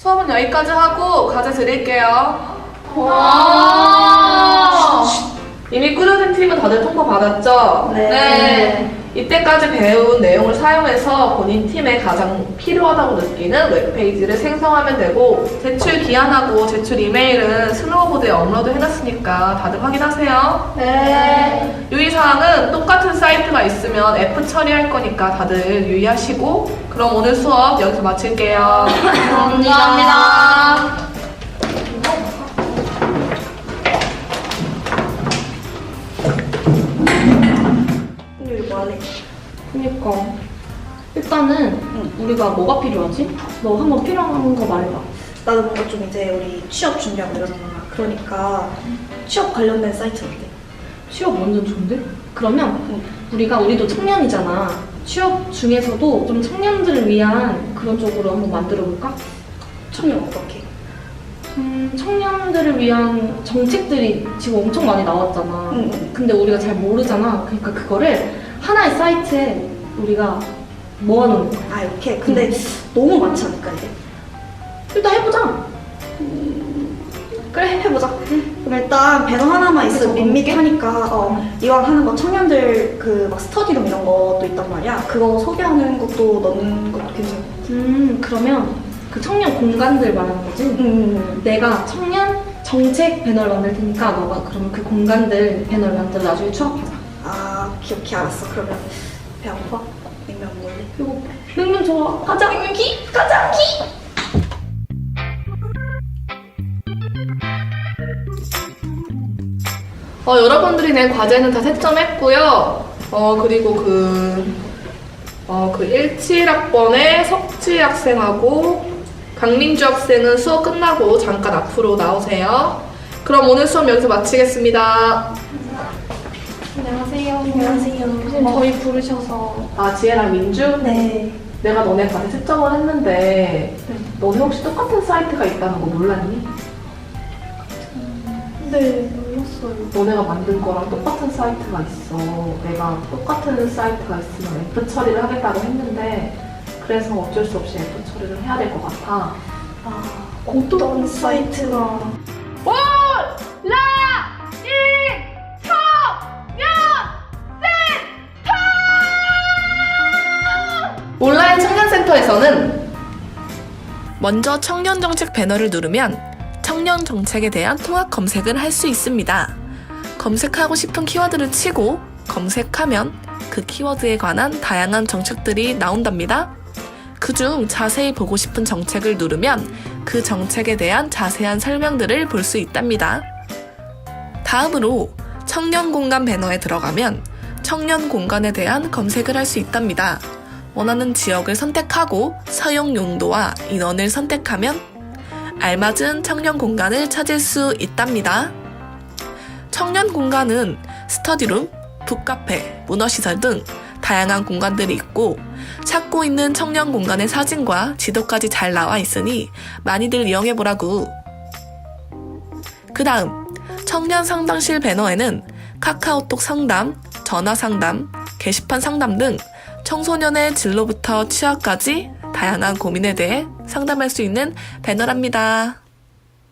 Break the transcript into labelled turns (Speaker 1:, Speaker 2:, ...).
Speaker 1: 수업은 여기까지 하고 과제 드릴게요.
Speaker 2: 와.
Speaker 1: 이미 꾸려진 팀은 다들 통보 받았죠?
Speaker 2: 네.
Speaker 1: 이때까지 배운 내용을 사용해서 본인 팀에 가장 필요하다고 느끼는 웹페이지를 생성하면 되고, 제출 기한하고 제출 이메일은 슬로우보드에 업로드 해놨으니까 다들 확인하세요.
Speaker 2: 네.
Speaker 1: 유의사항은 똑같은 사이트가 있으면 F 처리할 거니까 다들 유의하시고, 그럼 오늘 수업 여기서 마칠게요.
Speaker 2: 감사합니다.
Speaker 3: 근데 이거 뭐하래?
Speaker 2: 그니까 일단은 우리가 뭐가 필요하지? 너 한번 필요한 거 말해봐.
Speaker 3: 나도 뭔가 좀 이제 우리 취업 준비하고 이러잖아. 그러니까 취업 관련된 사이트 어때?
Speaker 2: 취업 완전 좋은데? 그러면 우리도 청년이잖아. 취업 중에서도 좀 청년들을 위한 그런 쪽으로 한번 만들어 볼까?
Speaker 3: 청년 어떻게?
Speaker 2: 청년들을 위한 정책들이 지금 엄청 많이 나왔잖아.
Speaker 3: 응.
Speaker 2: 근데 우리가 잘 모르잖아. 그러니까 그거를 하나의 사이트에 우리가 모아놓는 거야.
Speaker 3: 아 이렇게? 근데 너무 많지 않을까 이게?
Speaker 2: 일단 해보자.
Speaker 3: 그래 해보자. 그럼 일단 배너 하나만 있으면 밋밋하니까 이왕 하는 거 청년들 그 막 스터디룸 이런 것도 있단 말이야. 그거 소개하는 것도 넣는 것도 괜찮고.
Speaker 2: 그러면 그 청년 공간들 말하는 거지? 내가 청년 정책 배너를 만들 테니까 너가 그러면 그 공간들 배너를 만들어 나중에 추억하자.
Speaker 3: 아 오케이 알았어. 그러면 배 안 고파? 냉면 먹을래?
Speaker 2: 이거 냉면 좋아. 가자. 냉면기? 가자. 기.
Speaker 1: 여러분들이 낸 과제는 다 채점했고요. 그리고 그 17학번의 석지 학생하고 강민주 학생은 수업 끝나고 잠깐 앞으로 나오세요. 그럼 오늘 수업 여기서 마치겠습니다.
Speaker 2: 안녕하세요.
Speaker 3: 안녕하세요.
Speaker 2: 선생님 저희 부르셔서.
Speaker 1: 아, 지혜랑 민주?
Speaker 3: 네.
Speaker 1: 내가 너네 과제 채점을 했는데 너네 혹시 똑같은 사이트가 있다는 거 몰랐니?
Speaker 2: 네, 몰랐어요.
Speaker 1: 너네가 만든 거랑 똑같은 사이트가 있어. 내가 똑같은 사이트가 있으면 F 처리를 하겠다고 했는데 그래서 어쩔 수 없이 F 처리를 해야 될 것 같아.
Speaker 3: 아 어떤 사이트가?
Speaker 1: 올! 라! 이! 청년! 센터! 온라인 청년센터에서는 먼저 청년 정책 배너를 누르면 청년 정책에 대한 통합 검색을 할 수 있습니다. 검색하고 싶은 키워드를 치고 검색하면 그 키워드에 관한 다양한 정책들이 나온답니다. 그중 자세히 보고 싶은 정책을 누르면 그 정책에 대한 자세한 설명들을 볼 수 있답니다. 다음으로 청년 공간 배너에 들어가면 청년 공간에 대한 검색을 할 수 있답니다. 원하는 지역을 선택하고 사용 용도와 인원을 선택하면 알맞은 청년 공간을 찾을 수 있답니다. 청년 공간은 스터디룸, 북카페, 문화시설 등 다양한 공간들이 있고 찾고 있는 청년 공간의 사진과 지도까지 잘 나와 있으니 많이들 이용해보라고. 그 다음 청년 상담실 배너에는 카카오톡 상담, 전화 상담, 게시판 상담 등 청소년의 진로부터 취업까지 다양한 고민에 대해 상담할 수 있는 배너랍니다.